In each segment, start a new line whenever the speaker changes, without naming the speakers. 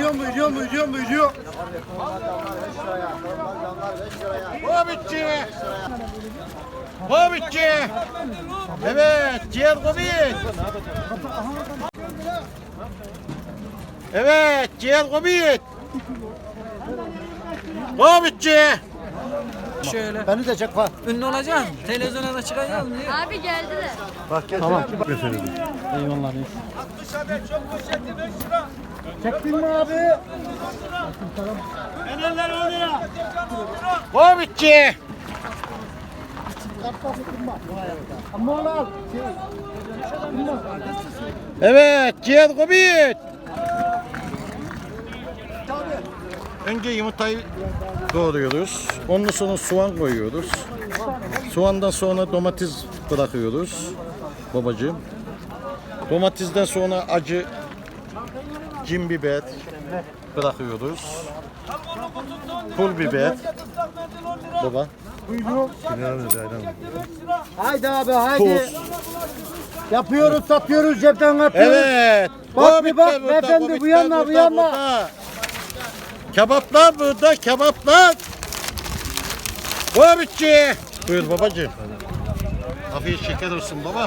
Buyuruyor. Hobbitçi. Evet, ciğer Hobbit. Evet, ciğer Hobbit. Hobbitçi.
Şöyle.
Beni de çek bak.
Ünlü olacaksın. Televizyona da çıkacaksın diye.
Abi geldiler.
Bak gel.
Tamam.
Eyvallah.
Çektin mi abi? Hobbitçi. Evet, ciğer Hobbit. Önce yumurtayı doğruyoruz. Ondan sonra soğan koyuyoruz. Soğandan sonra domates bırakıyoruz babacığım. Domatesden sonra acı cin biber bırakıyoruz. Pul biber. Baba.
Haydi abi haydi.
Tuz.
Yapıyoruz satıyoruz cepten atıyoruz.
Evet.
Bak bir bak
Hobbitler burada,
beyefendi,
hobbitler
bu yana, bu yana.
burada. Kebaplar burada, kebaplar. Hobbitçi. Buyur babacığım. Afiyet şeker olsun babam.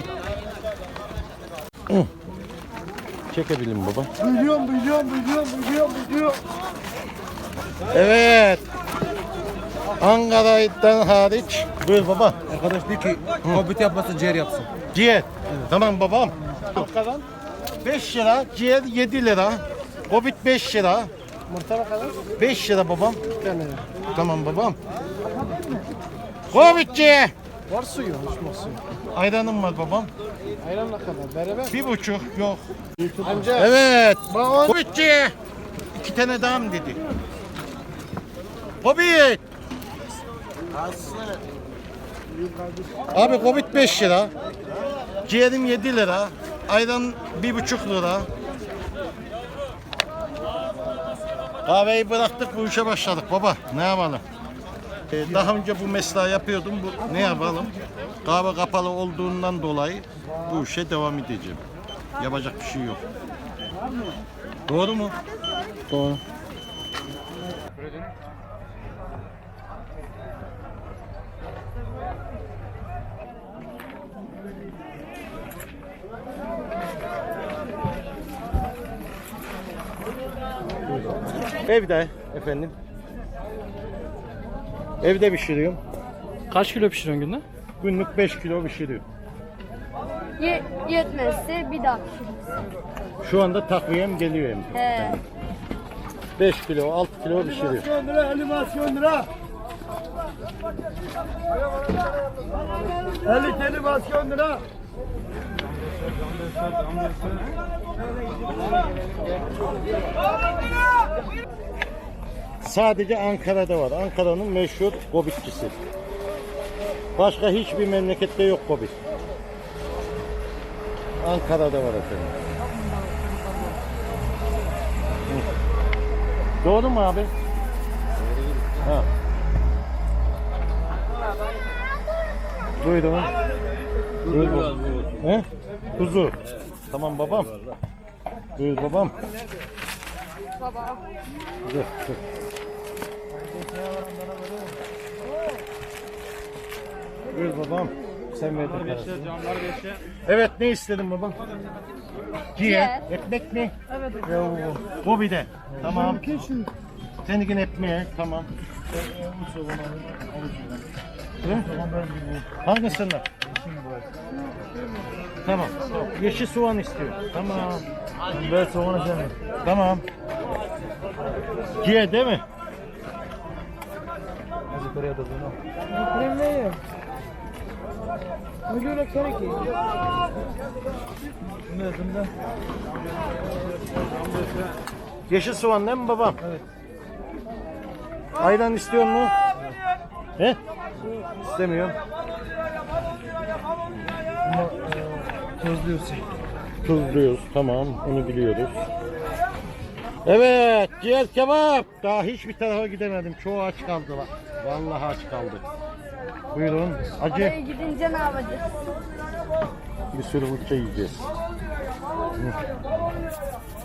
Çekebilirim baba.
Buyuruyorum.
Evet. Ankara'dan hariç. Buyur baba.
Arkadaş diyor ki hobbit yapmasın ciğer yapsın.
Ciğer. Tamam babam. 5 lira, ciğer 7 lira. Hobbit 5 lira. 5 lira babam. Tamam babam. Hobbitçi.
Var suyu, uçma suyu.
Ayranım var babam.
Ayran ne kadar? Beraber.
1,5 yok.
Amca.
Evet. Hobbitçi. 2 tane daha mı dedi? Hobbit. Abi Hobbit 5 lira. Ciğerim 7 lira. Ayran 1,5 lira. Kahveyi bıraktık, bu işe başladık baba. Ne yapalım? Daha önce bu mesleği yapıyordum. Ne yapalım? Kahve kapalı olduğundan dolayı bu işe devam edeceğim. Yapacak bir şey yok. Doğru mu?
Doğru.
Evde efendim. Evde pişiriyorum.
Kaç kilo pişiriyorsun günde?
Günlük 5 kilo pişiriyorum.
Yetmezse bir daha pişiririz.
Şu anda takviyem geliyor hem.
He.
5 kilo, 6 kilo pişiriyorum.
Animasyon lira. 50 animasyon lira.
Sadece Ankara'da var. Ankara'nın meşhur Hobbitçisi. Başka hiçbir memlekette yok Hobbit. Ankara'da var efendim. Doğru mu abi? Ha. Buyurun. Buyurun. He? Kuzu. Tamam babam. Buyur babam.
Baba.
Dur, dur. Buyur babam. Sen verdin parasını. Evet, ne istedin babam? Ciğer. Ekmek mi? Evet. Bu bir de. Tamam. Seninkin ekmeğe. Tamam. Hı? Hangisinden? Tamam. Yeşil soğan istiyor. Tamam.
Ben soğanı sevmem.
Tamam. Ciğer değil mi?
Yukarıya da bunu. Kremleyim. Öyle kerek iyi.
Yeşil soğan değil mi babam? Evet. Ayran istiyor mu? He? İstemiyorum.
Tuzluyorsun.
Tuzluyoruz. Tamam. Onu biliyoruz. Evet. Ciğer kebap. Daha hiçbir tarafa gidemedim. Çoğu aç kaldı. Vallahi aç kaldı. Buyurun. Acı.
Oraya gidince ne yapacağız?
Bir sürü fırça yiyeceğiz. Hı.